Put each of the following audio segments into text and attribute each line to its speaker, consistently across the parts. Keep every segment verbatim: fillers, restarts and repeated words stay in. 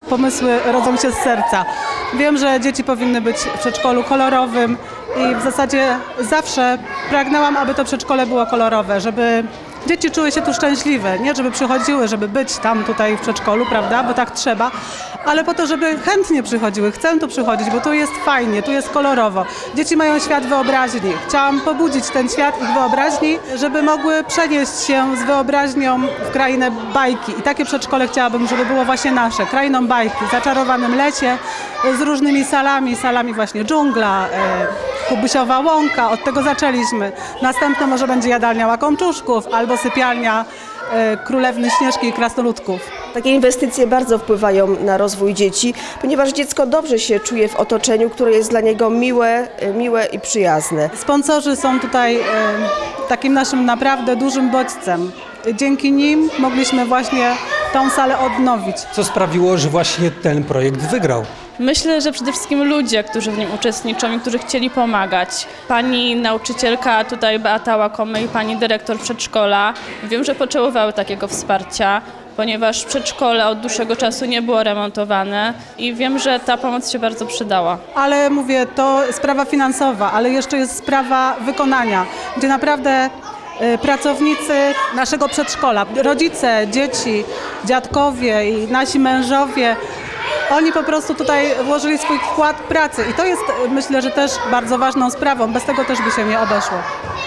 Speaker 1: Pomysły rodzą się z serca. Wiem, że dzieci powinny być w przedszkolu kolorowym i w zasadzie zawsze pragnęłam, aby to przedszkole było kolorowe, żeby dzieci czuły się tu szczęśliwe, nie żeby przychodziły, żeby być tam tutaj w przedszkolu, prawda, bo tak trzeba, ale po to, żeby chętnie przychodziły. Chcę tu przychodzić, bo tu jest fajnie, tu jest kolorowo. Dzieci mają świat wyobraźni. Chciałam pobudzić ten świat ich wyobraźni, żeby mogły przenieść się z wyobraźnią w krainę bajki. I takie przedszkole chciałabym, żeby było właśnie nasze, krainą bajki, w zaczarowanym lecie, z różnymi salami, salami właśnie dżungla, e, Kubusiowa łąka, od tego zaczęliśmy. Następne może będzie jadalnia łakomczuszków albo sypialnia e, królewny Śnieżki i krasnoludków.
Speaker 2: Takie inwestycje bardzo wpływają na rozwój dzieci, ponieważ dziecko dobrze się czuje w otoczeniu, które jest dla niego miłe, miłe i przyjazne.
Speaker 1: Sponsorzy są tutaj e, takim naszym naprawdę dużym bodźcem. Dzięki nim mogliśmy właśnie tą salę odnowić.
Speaker 3: Co sprawiło, że właśnie ten projekt wygrał?
Speaker 4: Myślę, że przede wszystkim ludzie, którzy w nim uczestniczą i którzy chcieli pomagać. Pani nauczycielka tutaj Beata Łakomy i pani dyrektor przedszkola, wiem, że potrzebowały takiego wsparcia, ponieważ przedszkole od dłuższego czasu nie było remontowane i wiem, że ta pomoc się bardzo przydała.
Speaker 1: Ale mówię, to sprawa finansowa, ale jeszcze jest sprawa wykonania, gdzie naprawdę pracownicy naszego przedszkola, rodzice, dzieci, dziadkowie i nasi mężowie, oni po prostu tutaj włożyli swój wkład pracy i to jest, myślę, że też bardzo ważną sprawą. Bez tego też by się nie obeszło.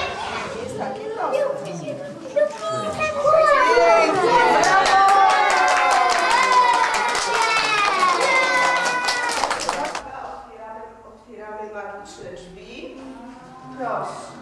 Speaker 5: Otwieramy magiczne drzwi. Proszę.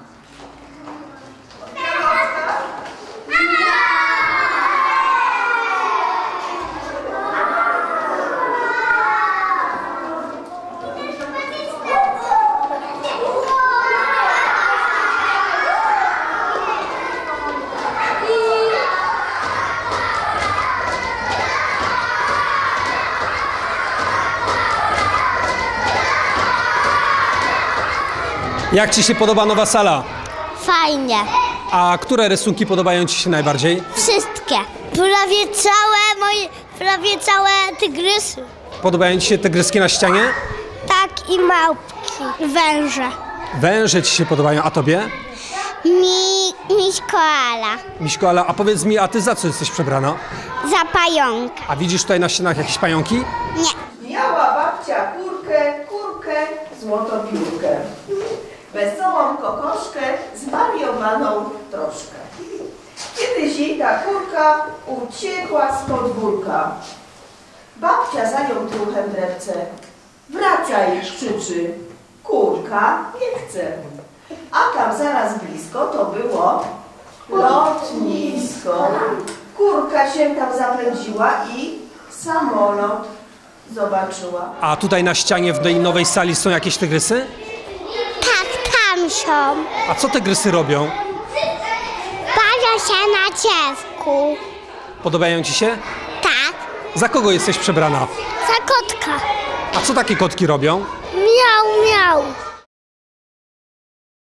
Speaker 3: Jak Ci się podoba nowa sala?
Speaker 6: Fajnie.
Speaker 3: A które rysunki podobają Ci się najbardziej?
Speaker 6: Wszystkie. Prawie całe moje, prawie całe tygrysy.
Speaker 3: Podobają Ci się tygryski na ścianie?
Speaker 6: Tak i małpki. Węże.
Speaker 3: Węże Ci się podobają, a Tobie?
Speaker 6: Mi, miś koala.
Speaker 3: Miśko, ale a powiedz mi, a Ty za co jesteś przebrana?
Speaker 6: Za pająka.
Speaker 3: A widzisz tutaj na ścianach jakieś pająki?
Speaker 6: Nie.
Speaker 5: Miała babcia kurkę, kurkę, złotopiórkę. Wesołą kokoszkę, zwariowaną troszkę. Kiedyś jej ta kurka uciekła z podwórka. Babcia za nią truchem drewce. Wracaj, krzyczy. Kurka nie chce. A tam zaraz blisko to było lotnisko. Kurka się tam zapędziła i samolot zobaczyła.
Speaker 3: A tutaj na ścianie w tej nowej sali są jakieś tygrysy?
Speaker 6: Tak, tam są.
Speaker 3: A co tygrysy robią?
Speaker 6: Bawią się na dziecku.
Speaker 3: Podobają Ci się?
Speaker 6: Tak.
Speaker 3: Za kogo jesteś przebrana?
Speaker 6: Za kotka.
Speaker 3: A co takie kotki robią?
Speaker 6: Miau, miau.